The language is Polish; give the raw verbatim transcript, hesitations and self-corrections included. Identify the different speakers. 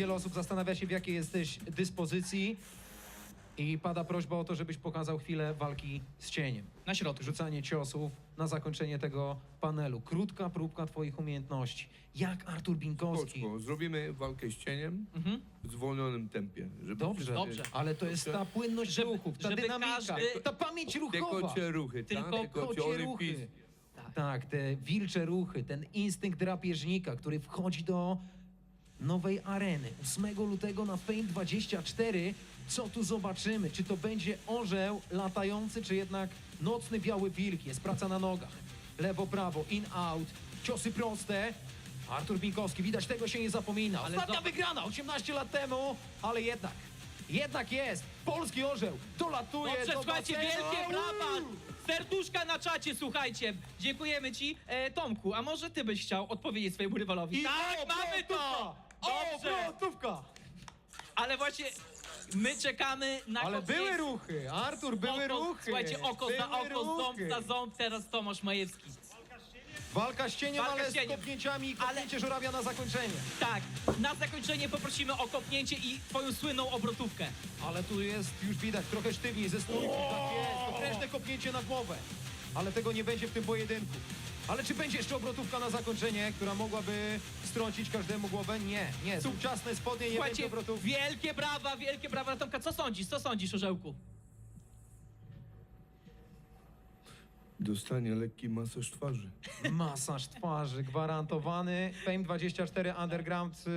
Speaker 1: wiele osób zastanawia się, w jakiej jesteś dyspozycji i pada prośba o to, żebyś pokazał chwilę walki z cieniem.
Speaker 2: Na środku.
Speaker 1: Rzucanie ciosów na zakończenie tego panelu. Krótka próbka twoich umiejętności. Jak Artur Binkowski.
Speaker 3: Koczko, zrobimy walkę z cieniem
Speaker 2: Mhm.
Speaker 3: w zwolnionym tempie. Żeby
Speaker 1: Dobrze,
Speaker 2: Dobrze.
Speaker 1: ale to jest ta płynność
Speaker 2: Żeby-
Speaker 1: ruchów, ta
Speaker 2: żeby
Speaker 1: dynamika,
Speaker 2: każdy-
Speaker 1: ta pamięć
Speaker 3: Te
Speaker 1: ruchowa.
Speaker 3: kocie ruchy,
Speaker 2: Tylko
Speaker 3: tak? Te kocie
Speaker 1: Kocie ruchy.
Speaker 3: olimpijskie.
Speaker 2: Tak.
Speaker 1: Tak, te wilcze ruchy, ten instynkt drapieżnika, który wchodzi do nowej areny. ósmego lutego na Fame dwadzieścia cztery. Co tu zobaczymy? Czy to będzie orzeł latający, czy jednak nocny biały wilk? Jest praca na nogach. Lewo, prawo, in, out, ciosy proste. Artur Binkowski, widać, tego się nie zapomina.
Speaker 2: Ale
Speaker 1: Ostatnia
Speaker 2: zob-
Speaker 1: wygrana osiemnaście lat temu, ale jednak, jednak jest. Polski orzeł dolatuje
Speaker 2: Dobrze,
Speaker 1: do
Speaker 2: słuchajcie,
Speaker 1: basenu.
Speaker 2: wielkie brawa! Serduszka na czacie, słuchajcie. Dziękujemy ci. E, Tomku, a może ty byś chciał odpowiedzieć swojemu rywalowi?
Speaker 1: I
Speaker 2: tak,
Speaker 1: o,
Speaker 2: mamy to!
Speaker 1: O,
Speaker 2: Dobrze,
Speaker 1: brązówka!
Speaker 2: ale właśnie my czekamy na
Speaker 1: Ale
Speaker 2: koniec.
Speaker 1: były ruchy, Artur, były
Speaker 2: Oko-
Speaker 1: ruchy.
Speaker 2: Słuchajcie, oko za
Speaker 1: Były
Speaker 2: oko, ząb
Speaker 1: ruchy.
Speaker 2: za ząb, teraz Tomasz Majewski.
Speaker 1: Walka z cieniem,
Speaker 2: Walka
Speaker 1: ale
Speaker 2: z cieniem.
Speaker 1: z kopnięciami i
Speaker 2: Ale-
Speaker 1: kopnięcie żurawia na zakończenie.
Speaker 2: Tak, na zakończenie poprosimy o kopnięcie i twoją słynną obrotówkę.
Speaker 1: Ale tu jest, już widać, trochę sztywniej ze stójki. Tak jest, potężne kopnięcie na głowę. Ale tego nie będzie w tym pojedynku. Ale czy będzie jeszcze obrotówka na zakończenie, która mogłaby strącić każdemu głowę? Nie, nie. Są ciasne spodnie, nie będzie
Speaker 2: Słuchajcie,
Speaker 1: obrotówki.
Speaker 2: wielkie brawa, wielkie brawa. Tomka, co sądzisz? Co sądzisz, Orzełku?
Speaker 3: Dostanie lekki masaż twarzy.
Speaker 1: Masaż twarzy gwarantowany. Fame dwadzieścia cztery Underground